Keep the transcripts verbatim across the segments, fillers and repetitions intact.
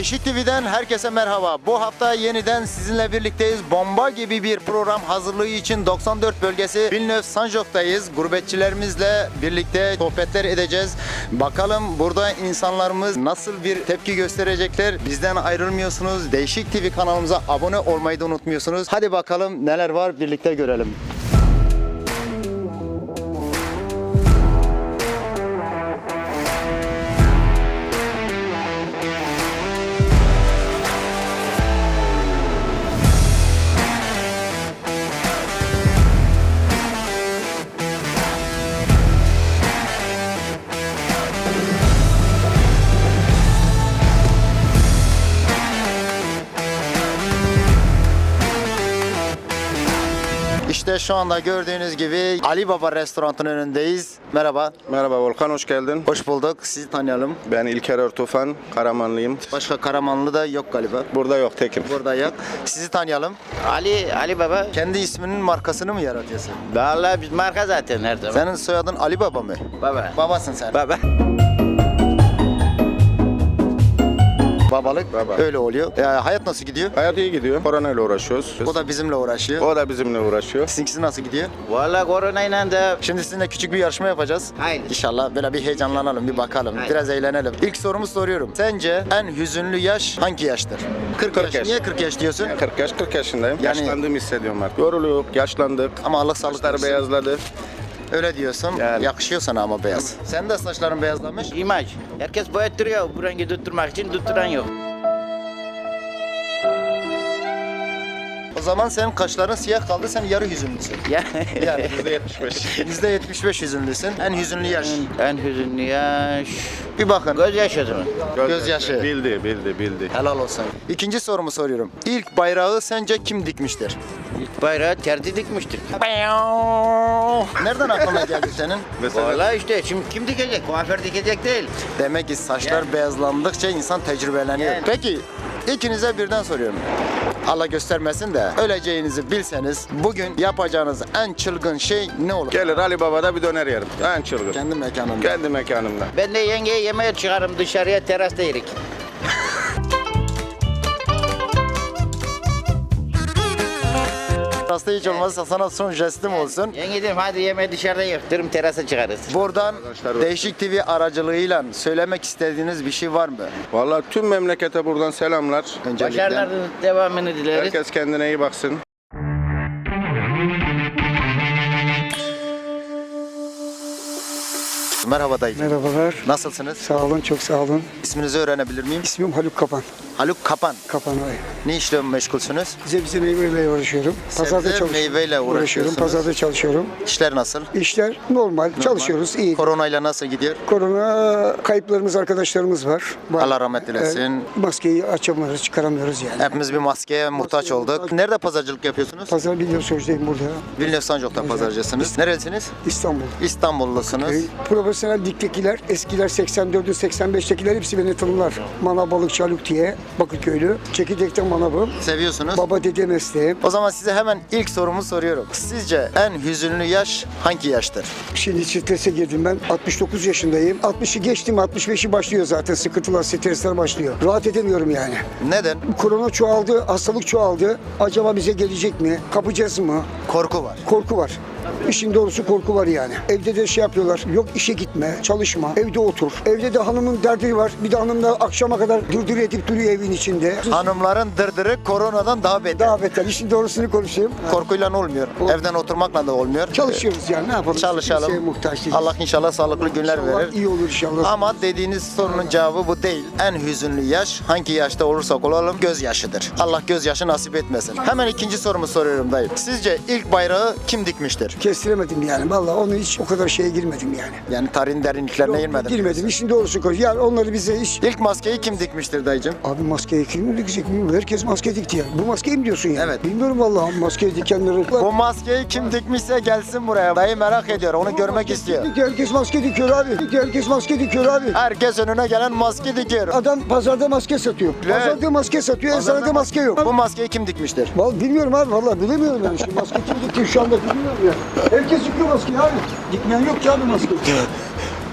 Değişik T V'den herkese merhaba. Bu hafta yeniden sizinle birlikteyiz. Bomba gibi bir program hazırlığı için doksan dört bölgesi Villeneuve-Saint-Jacques'tayız. Gurbetçilerimizle birlikte sohbetler edeceğiz. Bakalım burada insanlarımız nasıl bir tepki gösterecekler. Bizden ayrılmıyorsunuz. Değişik T V kanalımıza abone olmayı da unutmuyorsunuz. Hadi bakalım neler var, birlikte görelim. İşte şu anda gördüğünüz gibi Ali Baba restoranının önündeyiz. Merhaba. Merhaba Volkan, hoş geldin. Hoş bulduk. Sizi tanıyalım. Ben İlker Ertufan, Karamanlıyım. Başka Karamanlı da yok galiba. Burada yok, tekim. Burada yok. Sizi tanıyalım. Ali, Ali Baba. Kendi isminin markasını mı yaratıyorsun? Vallahi biz marka zaten her zaman. Senin soyadın Ali Baba mı? Baba. Babasın sen. Baba. Babalık Baba. öyle oluyor. Ee, hayat nasıl gidiyor? Hayat iyi gidiyor. Koronayla uğraşıyoruz. O da bizimle uğraşıyor. O da bizimle uğraşıyor. Sizinkisi nasıl gidiyor? Vallahi koronayla da Şimdi sizinle küçük bir yarışma yapacağız. Haydi. İnşallah böyle bir heyecanlanalım, bir bakalım. Haydi. Biraz eğlenelim. İlk sorumu soruyorum. Sence en hüzünlü yaş hangi yaştır? kırk, kırk yaş. yaş. Niye kırk yaş diyorsun? kırk yaş, kırk yaşındayım. Yani- Yaşlandığımı hissediyorum artık. Yorulup, yaşlandık. Ama Allah sağlık Saçlar versin. beyazladı. Öyle diyorsun. Yani. Yakışıyor sana ama beyaz. Sen de saçların beyazlamış. imaj. Herkes boyattırıyor bu rengi tutturmak için, tutturan yok. O zaman senin kaşların siyah kaldı, sen yarı hüzünlüsün. Ya. Yani yüzde yetmiş beş. yüzde yetmiş beş hüzünlüsün. En hüzünlü yaş. En hüzünlü yaş. Bir bakın. Gözyaşı o zaman. Gözyaşı. Bildi, bildi, bildi. Helal olsun. İkinci sorumu soruyorum. İlk bayrağı sence kim dikmiştir? İlk bayrağı terzi dikmiştir. Nereden aklına geldi senin? Mesela Vallahi işte şimdi kim dikecek? Kuaför dikecek değil. Demek ki saçlar Yani. beyazlandıkça insan tecrübeleniyor. Yani. Peki ikinize birden soruyorum. Allah göstermesin de öleceğinizi bilseniz bugün yapacağınız en çılgın şey ne olur? gelir Ali Baba'da bir döner yerim. En çılgın. Kendi mekanında. Kendi mekanımda. Ben de yengeye yemeğe çıkarım dışarıya, terasta yerik. Hasta hiç olmazsa sana son jestim olsun. Yenge dedim hadi yemeği dışarıda yerik derim, terasa çıkarız. Buradan Arkadaşlar- Değişik T V aracılığıyla söylemek istediğiniz bir şey var mı? Vallahi tüm memlekete buradan selamlar. Öncelikle. Başarıların devamını dileriz. Herkes kendine iyi baksın. Merhaba dayıcım. Merhabalar. Nasılsınız? Sağ olun, çok sağ olun. İsminizi öğrenebilir miyim? İsmim Haluk Kapan. Haluk Kapan. Kapan Ay. Ne işle meşgulsünüz? Sebze meyveyle uğraşıyorum. Sebze, Pazarda çalışıyorum. meyveyle uğraşıyorsunuz. Pazarda çalışıyorum. İşler nasıl? İşler normal, çalışıyoruz, iyi. Koronayla nasıl gidiyor? Korona kayıplarımız, arkadaşlarımız var. Var. Allah rahmet eylesin. Ee, maskeyi açamıyoruz, çıkaramıyoruz yani. Hepimiz bir maskeye muhtaç olduk. Nerede pazarcılık yapıyorsunuz? Pazar Villeneuve-Saint-Jacques'deyim burada. Villeneuve-Saint-Jacques'ta pazarcısınız. Nerelisiniz? İstanbul. İstanbulllusunuz. Ee, profesyonel diktekiler, eskiler seksen dördün seksen beştekiler hepsi beni tanırlar. Manav Balıkçı Haluk diye, Bakırköylü. Çekirdekten manavım. Seviyorsunuz. Baba dede mesleğim. O zaman size hemen ilk sorumu soruyorum. Sizce en hüzünlü yaş hangi yaştır? Şimdi strese girdim ben. altmış dokuz yaşındayım. altmışı geçtim, altmış beşi başlıyor zaten. Sıkıntılar, stresler başlıyor. Rahat edemiyorum yani. Neden? Korona çoğaldı, hastalık çoğaldı. Acaba bize gelecek mi? Kapacağız mı? Korku var. Korku var. İşin doğrusu korku var yani. Evde de şey yapıyorlar. Yok işe gitme, çalışma, evde otur. Evde de hanımın derdi var. Bir de hanım da akşama kadar dırdır edip duruyor evin içinde. Hanımların dırdırı koronadan daha beter. Daha beter. İşin doğrusunu konuşayım. Korkuyla olmuyor. Evden oturmakla da olmuyor. Çalışıyoruz yani. Ne yapalım? Çalışalım. Kimseye muhtaç değiliz. Allah inşallah sağlıklı günler İnşallah verir. iyi olur inşallah. Ama dediğiniz sorunun cevabı bu değil. En hüzünlü yaş hangi yaşta olursak olalım gözyaşıdır. Allah gözyaşı nasip etmesin. Hemen ikinci sorumu soruyorum dayı. Sizce ilk bayrağı kim dikmiştir? Kestiremedim yani. Vallahi onu hiç o kadar şeye girmedim yani. Yani tarihin derinliklerine Yok, girmedim. girmedim. İşin doğrusu konuş. Yani onları bize hiç... İlk maskeyi kim dikmiştir dayıcım? Abi maske kim mi dikecek bilmiyorum. Herkes maske dikti yani. Bu maskeyi mi diyorsun yani? Evet. Bilmiyorum vallahi maske dikenleri. Bu maskeyi kim dikmişse gelsin buraya. Dayı merak ediyor. Onu görmek istiyor. Herkes maske dikiyor abi. Herkes maske dikiyor abi. Herkes önüne gelen maske dikiyor. Adam pazarda maske satıyor. Evet. Pazarda maske satıyor. Eczanede maske yok. Bu maskeyi kim dikmiştir? Vallahi bilmiyorum abi. Vallahi bilemiyorum yani. Şimdi maske kim dikti şu anda bilmiyorum ya. Herkes dikiyor maskeyi abi. Dikmeyen yok ki abi maske.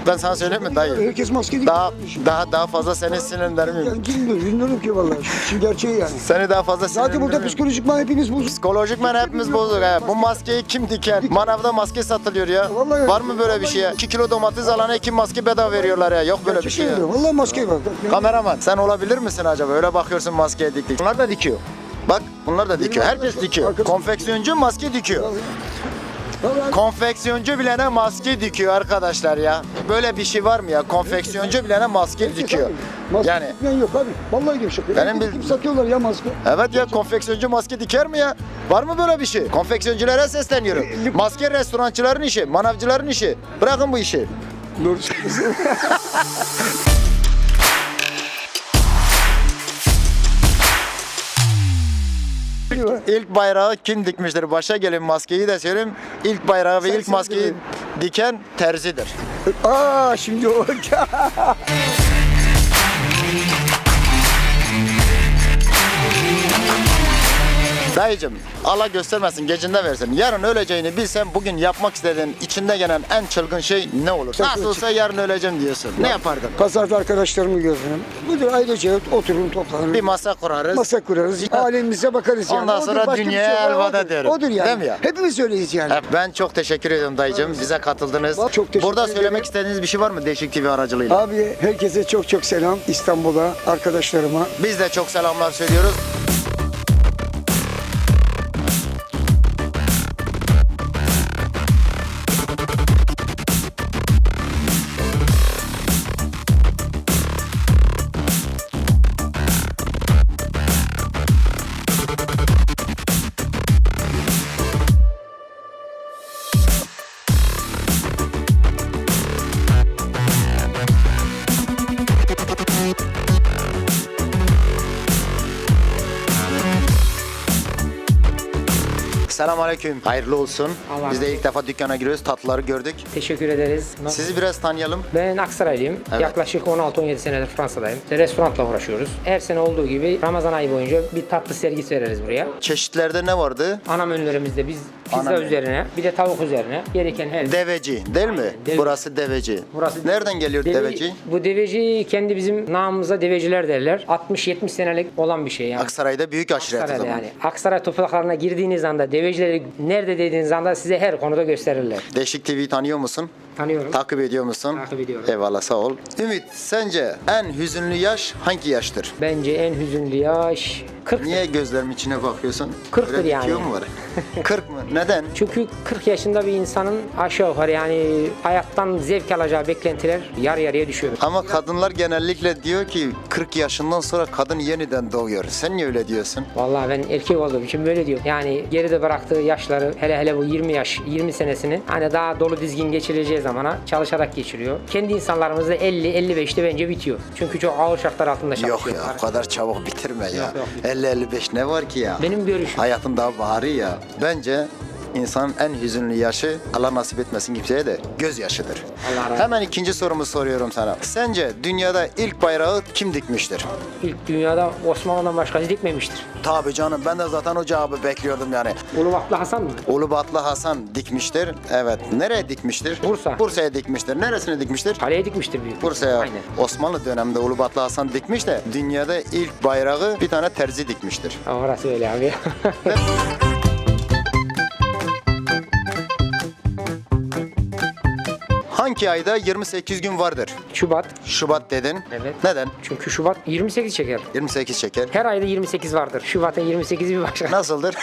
Ben sana söyleyeyim mi dayı? Herkes maske değil. Daha daha daha fazla seni sinirlendirmeyeyim. Yani bilmiyorum, bilmiyorum ki vallahi. Şu, şu gerçeği yani. Seni daha fazla Zaten burada sinirlendirmeyeyim. psikolojik man hepiniz bozuk. Psikolojik men hepimiz bozduk. He. Bu maskeyi kim diker? Manavda maske satılıyor ya. Vallahi- Var mı böyle bir şey ya? iki kilo domates alana iki maske bedava veriyorlar ya. Yok böyle bir şey ya. Vallahi maske var. Yani Kameraman sen olabilir misin acaba? Öyle bakıyorsun maskeye dik dik. Bunlar da dikiyor. Bak bunlar da dikiyor. Herkes dikiyor. Konfeksiyoncu maske dikiyor. Vallahi- Konfeksiyoncu bilene maske dikiyor arkadaşlar ya. Böyle bir şey var mı ya? Konfeksiyoncu bilene maske Herkes dikiyor. abi. Maske Yani dikmeyen yok abi. Vallahi gevşek. Benim bil- Kim satıyorlar ya maske? evet ya konfeksiyoncu maske diker mi ya? Var mı böyle bir şey? Konfeksiyonculara sesleniyorum. Maske restorançıların işi, manavcıların işi. Bırakın bu işi. Doğru söylüyorsun. İlk bayrağı kim dikmiştir? Başa gelin maskeyi de söyleyeyim. İlk bayrağı ve Sen ilk maskeyi söyle. diken terzidir. Aa şimdi o. Dayıcım Allah göstermesin gecinde versin. Yarın öleceğini bilsen bugün yapmak istediğin içinde gelen en çılgın şey ne olur? Çok Nasıl olsa yarın öleceğim diyorsun. Ne yapardın? Pazarda arkadaşlarımı görürüm. Budur ailece oturun toplanırım. Bir masa kurarız. Masa kurarız. Alemimize bakarız yani. Ondan Odur, sonra başka bir dünyaya şey var, elveda odur. diyorum. Odur yani. Değil mi ya? Hepimiz öyleyiz yani. Ben çok teşekkür ediyorum dayıcım. Bize katıldınız. Çok teşekkür Burada ederim. söylemek istediğiniz bir şey var mı Değişik T V aracılığıyla? Abi herkese çok çok selam. İstanbul'a, arkadaşlarıma. Biz de çok selamlar söylüyoruz. Selamünaleyküm. Hayırlı olsun. Allah Biz de ilk defa dükkana giriyoruz. Tatlıları gördük. Teşekkür ederiz. Sizi biraz tanıyalım. Ben Aksaraylıyım. Evet. Yaklaşık on altı on yedi senedir Fransa'dayım. İşte restoranla uğraşıyoruz. Her sene olduğu gibi Ramazan ayı boyunca bir tatlı sergisi veririz buraya. Çeşitlerde ne vardı? Ana menülerimizde biz pizza Ana menü. üzerine, bir de tavuk üzerine gereken her Deveci değil mi? Deve- Burası deveci. Burası- Nereden geliyor Deve- deveci? Bu deveci kendi bizim namımıza deveciler derler. altmış yetmiş senelik olan bir şey yani. Aksaray'da büyük aşiret o Aksaray'da zaman. yani. Aksaray topraklarına girdiğiniz anda devecileri nerede dediğiniz anda size her konuda gösterirler. Değişik T V'yi tanıyor musun? Tanıyorum. Takip ediyor musun? Takip ediyorum. Eyvallah sağ ol. Ümit sence en hüzünlü yaş hangi yaştır? Bence en hüzünlü yaş kırk. Niye gözlerimin içine bakıyorsun? Kırktır Öyle bir yani. tüyo mu var? kırk mı? Neden? Çünkü kırk yaşında bir insanın aşağı yukarı yani hayattan zevk alacağı beklentiler yarı yarıya düşüyor. Ama kadınlar genellikle diyor ki kırk yaşından sonra kadın yeniden doğuyor. Sen niye öyle diyorsun? Vallahi ben erkek olduğum için böyle diyor. Yani geride bıraktığı yaşları hele hele bu yirmi yaş, yirmi senesini hani daha dolu dizgin geçireceği zamana çalışarak geçiriyor. Kendi insanlarımız da elli elli beşte bence bitiyor. Çünkü çok ağır şartlar altında çalışıyor. Yok ya o kadar çabuk bitirme ya. Yok, yok. elli elli beş ne var ki ya? Benim görüşüm. Hayatın daha baharı ya. Bence insanın en hüzünlü yaşı Allah nasip etmesin kimseye de gözyaşıdır. Allah razı olsun. Hemen ikinci sorumu soruyorum sana. Sence dünyada ilk bayrağı kim dikmiştir? İlk dünyada Osmanlı'dan başkası dikmemiştir. Tabii canım ben de zaten o cevabı bekliyordum yani. Ulubatlı Hasan mı? Ulubatlı Hasan dikmiştir. Evet. Nereye dikmiştir? Bursa. Bursa'ya dikmiştir. Neresine dikmiştir? Kaleye dikmiştir büyük. Bursa'ya. Aynen. Osmanlı döneminde Ulubatlı Hasan dikmiş de dünyada ilk bayrağı bir tane terzi dikmiştir. Orası öyle abi. Hangi ayda yirmi sekiz gün vardır? Şubat. Şubat dedin. Evet. Neden? Çünkü Şubat yirmi sekiz çeker. yirmi sekiz şeker. Her ayda yirmi sekiz vardır. Şubat'ın yirmi sekizi bir başka. Nasıldır?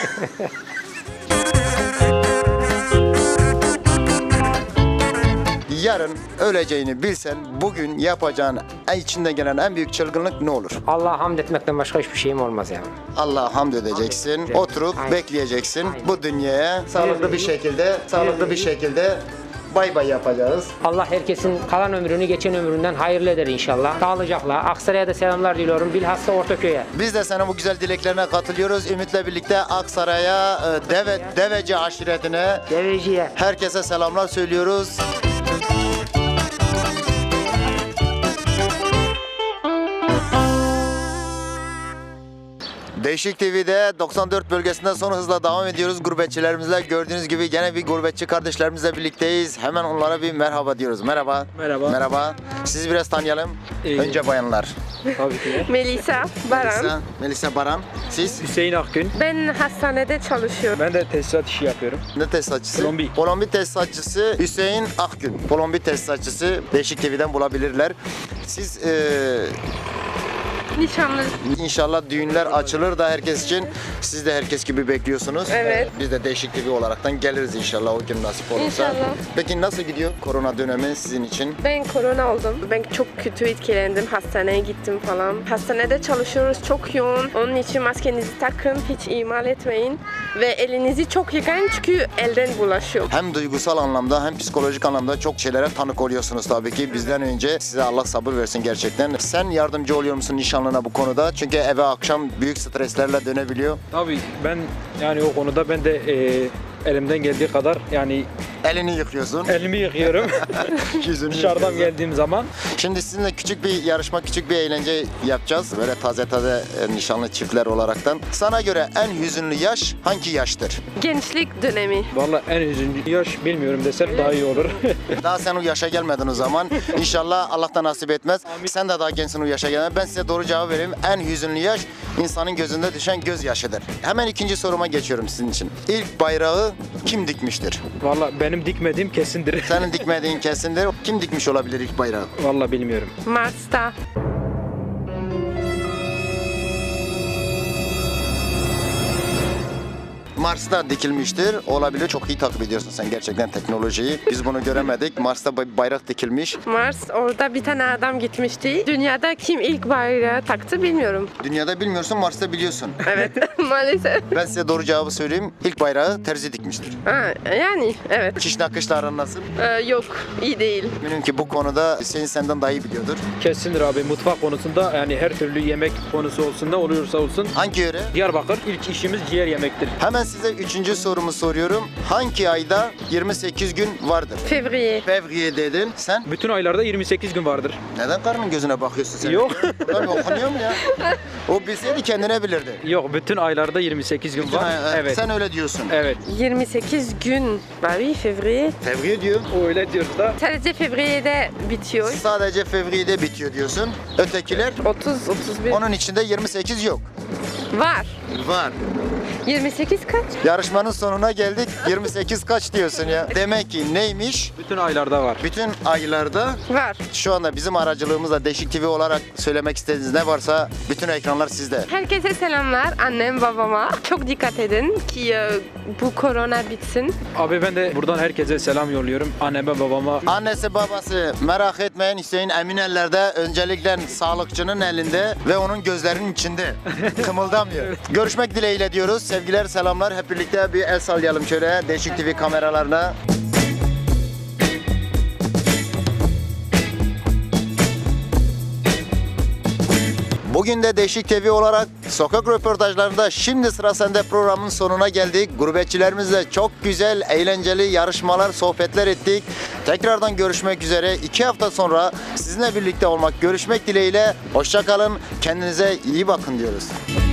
Yarın öleceğini bilsen bugün yapacağın en içinden gelen en büyük çılgınlık ne olur? Allah'a hamd etmekten başka hiçbir şeyim olmaz yani. Allah'a hamd edeceksin, edeceğim. oturup Aynen. bekleyeceksin. Aynen. Bu dünyaya sağlıklı bir şekilde, sağlıklı bir şekilde bay bay yapacağız. Allah herkesin kalan ömrünü geçen ömründen hayırlı eder inşallah. Sağlıcakla. Aksaray'a da selamlar diliyorum. Bilhassa Ortaköy'e. Biz de senin bu güzel dileklerine katılıyoruz. Ümit'le birlikte Aksaray'a, e, Deve, Deveci aşiretine Deveci'ye. herkese selamlar söylüyoruz. Değişik T V'de doksan dört bölgesinde son hızla devam ediyoruz gurbetçilerimizle. Gördüğünüz gibi gene bir gurbetçi kardeşlerimizle birlikteyiz. Hemen onlara bir merhaba diyoruz. Merhaba. Merhaba. Merhaba. Sizi biraz tanıyalım. Ee, Önce bayanlar. Tabii ki de. Melisa Baran. Melisa, Melisa Baran. Siz Hüseyin Akgün. Ben hastanede çalışıyorum. Ben de tesisat işi yapıyorum. ne tesisatçısı? Kolombi. Kolombi tesisatçısı Hüseyin Akgün. Kolombi tesisatçısı Değişik T V'den bulabilirler. Siz eee Nişanlı. İnşallah düğünler açılır da herkes için. Siz de herkes gibi bekliyorsunuz. Evet. Biz de Değişik T V olaraktan geliriz inşallah o gün nasip olursa. İnşallah. Peki nasıl gidiyor korona dönemi sizin için? Ben korona oldum. Ben çok kötü etkilendim. Hastaneye gittim falan. Hastanede çalışıyoruz. Çok yoğun. Onun için maskenizi takın. Hiç ihmal etmeyin. Ve elinizi çok yıkayın çünkü elden bulaşıyor. Hem duygusal anlamda hem psikolojik anlamda çok şeylere tanık oluyorsunuz tabii ki. Bizden önce size Allah sabır versin gerçekten. Sen yardımcı oluyor musun nişanlına bu konuda? Çünkü eve akşam büyük streslerle dönebiliyor. Tabii ben yani o konuda ben de e, elimden geldiği kadar yani Elini yıkıyorsun. elimi yıkıyorum Yüzünü dışarıdan yıkıyorsun. geldiğim zaman. Şimdi sizinle küçük bir yarışma, küçük bir eğlence yapacağız. Böyle taze taze e, nişanlı çiftler olaraktan. Sana göre en hüzünlü yaş hangi yaştır? Gençlik dönemi. Vallahi en üzücü yaş bilmiyorum desem daha iyi olur. Daha sen o yaşa gelmedin o zaman. İnşallah Allah da nasip etmez. Sen de daha gençsin o yaşa gelmedin. Ben size doğru cevap vereyim. En hüzünlü yaş insanın gözünde düşen gözyaşıdır. Hemen ikinci soruma geçiyorum sizin için. İlk bayrağı kim dikmiştir? Vallahi benim dikmediğim kesindir. Senin dikmediğin kesindir. Kim dikmiş olabilir ilk bayrağı? Vallahi bilmiyorum. Mars'ta. Mars'ta dikilmiştir. Olabilir. Çok iyi takip ediyorsun sen gerçekten teknolojiyi. Biz bunu göremedik. Mars'ta bir bayrak dikilmiş. Mars orada bir tane adam gitmişti. Dünyada kim ilk bayrağı taktı bilmiyorum. Dünyada bilmiyorsun, Mars'ta biliyorsun. Evet maalesef. Ben size doğru cevabı söyleyeyim. İlk bayrağı terzi dikmiştir. Ha, yani evet. Dikiş nakışla aran nasıl? Ee, yok iyi değil. Eminim ki bu konuda Hüseyin senden daha iyi biliyordur. Kesindir abi mutfak konusunda yani her türlü yemek konusu olsun ne oluyorsa olsun. Hangi yöre? Diyarbakır ilk işimiz ciğer yemektir. Hemen size üçüncü sorumu soruyorum. Hangi ayda yirmi sekiz gün vardır? Fevriye. Fevriye dedin. Sen Bütün aylarda yirmi sekiz gün vardır. neden karının gözüne bakıyorsun sen? Yok. Burada mı okunuyor mu ya? O bilseydi kendine bilirdi. Yok bütün aylarda yirmi sekiz gün Bütün var. ay- Evet. Sen öyle diyorsun. Evet. yirmi sekiz gün. Bah oui, fevriye. Fevriye diyor. Öyle diyoruz da. Sadece Fevriye'de bitiyor. Sadece Fevriye'de bitiyor diyorsun. Ötekiler otuz otuz bir. onun içinde yirmi sekiz yok. Var. Var. yirmi sekiz kaç? Yarışmanın sonuna geldik. yirmi sekiz kaç diyorsun ya? Demek ki neymiş? Bütün aylarda var. Bütün aylarda Var. şu anda bizim aracılığımızla Değişik T V olarak söylemek istediğiniz ne varsa bütün ekranlar sizde. Herkese selamlar annem babama. Çok dikkat edin ki e, bu korona bitsin. Abi ben de buradan herkese selam yolluyorum. Anneme babama. Annesi babası merak etmeyin, Hüseyin emin ellerde, öncelikle sağlıkçının elinde ve onun gözlerinin içinde. Kımıldamıyor. Görüşmek dileğiyle diyoruz. Sevgiler, selamlar. Hep birlikte bir el sallayalım şöyle Değişik T V kameralarına. Bugün de Değişik T V olarak sokak röportajlarında Şimdi Sıra Sende programın sonuna geldik. Gurbetçilerimizle çok güzel, eğlenceli yarışmalar, sohbetler ettik. Tekrardan görüşmek üzere. İki hafta sonra sizinle birlikte olmak, görüşmek dileğiyle. Hoşça kalın, kendinize iyi bakın diyoruz.